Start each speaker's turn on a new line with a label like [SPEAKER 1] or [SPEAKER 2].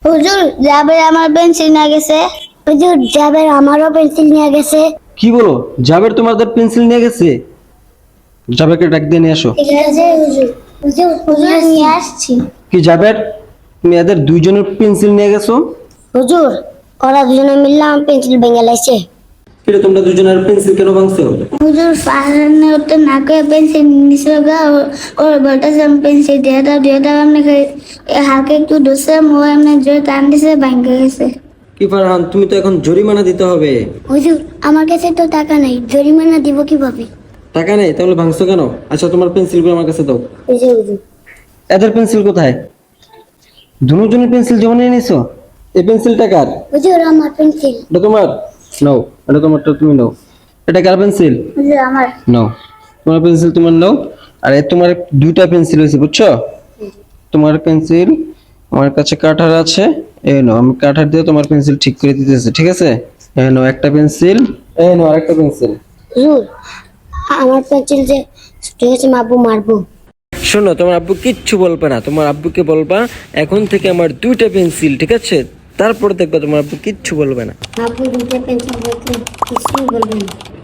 [SPEAKER 1] হুজুর জাবের আমার পেন্সিল নিয়ে গেছে। হুজুর জাবের আমারও পেন্সিল নিয়ে গেছে।
[SPEAKER 2] কি বলো, জাবের তোমাদের পেন্সিল নিয়ে গেছে? জাবেরকে ডাক দিয়ে নিয়ে আসো।
[SPEAKER 1] ঠিক আছে হুজুর। হুজুর হুজুর নিয়ে আসছি।
[SPEAKER 2] কি জাবের, তুমি এদের দুইজনের পেন্সিল নিয়ে গেছো?
[SPEAKER 1] হুজুর ওরা দুজনে মিললে আমার পেন্সিল ভেঙে লাইছে।
[SPEAKER 2] এটা তোমরা দুজনের পেন্সিল কেন ভাঙছো?
[SPEAKER 1] হুজুর ফাহানে ওতে নাকে পেন্সিল নিছিল গা ওর বলতেছে পেন্সিল দিয়ে দাও এমনি হালকা একটু দোষে মো এমনি জোরে টান দিছে ভেঙে গেছে।
[SPEAKER 2] কি ফারহান, তুমি তো এখন জরিমানা দিতে হবে।
[SPEAKER 1] হুজুর আমার কাছে তো টাকা নাই, জরিমানা দিব কিভাবে?
[SPEAKER 2] টাকা নেই তাহলে ভাঙছো কেন? আচ্ছা তোমার পেন্সিলগুলো আমার কাছে দাও।
[SPEAKER 1] হুজুর হুজুর
[SPEAKER 2] এদের পেন্সিল কোথায়? দুজনের পেন্সিল জমা নিয়ে নিছো? এই পেন্সিলটা কার?
[SPEAKER 1] হুজুর আমার পেন্সিল।
[SPEAKER 2] এটা তোমার? নাও, এটা তোমারটা তুমি নাও। এটা কার পেন্সিল?
[SPEAKER 1] হুজুর আমার।
[SPEAKER 2] নাও, তোমার পেন্সিল তোমার নাও। আর এই তোমার দুইটা পেন্সিল হয়েছে, বুঝছো? তোমার পেন্সিল আমার কাছে কাটার আছে, এই নাও, আমি কাটার দিয়ে তোমার পেন্সিল ঠিক করে দিতেছি, ঠিক আছে? এই নাও একটা পেন্সিল, এই নাও আরেকটা পেন্সিল।
[SPEAKER 1] হুজুর আমার পেন্সিল যে ঠিক আছে মারবো মারবো।
[SPEAKER 2] শোনো, তোমার আব্বু কিচ্ছু বলবে না, তোমার আব্বুকে বলবা এখন থেকে আমার দুইটা পেন্সিল, ঠিক আছে? তারপর দেখবা তোমার আব্বু কিচ্ছু বলবে না।
[SPEAKER 1] মারবো দুটো পেন্সিল দেখলে কিছুই বলবে না।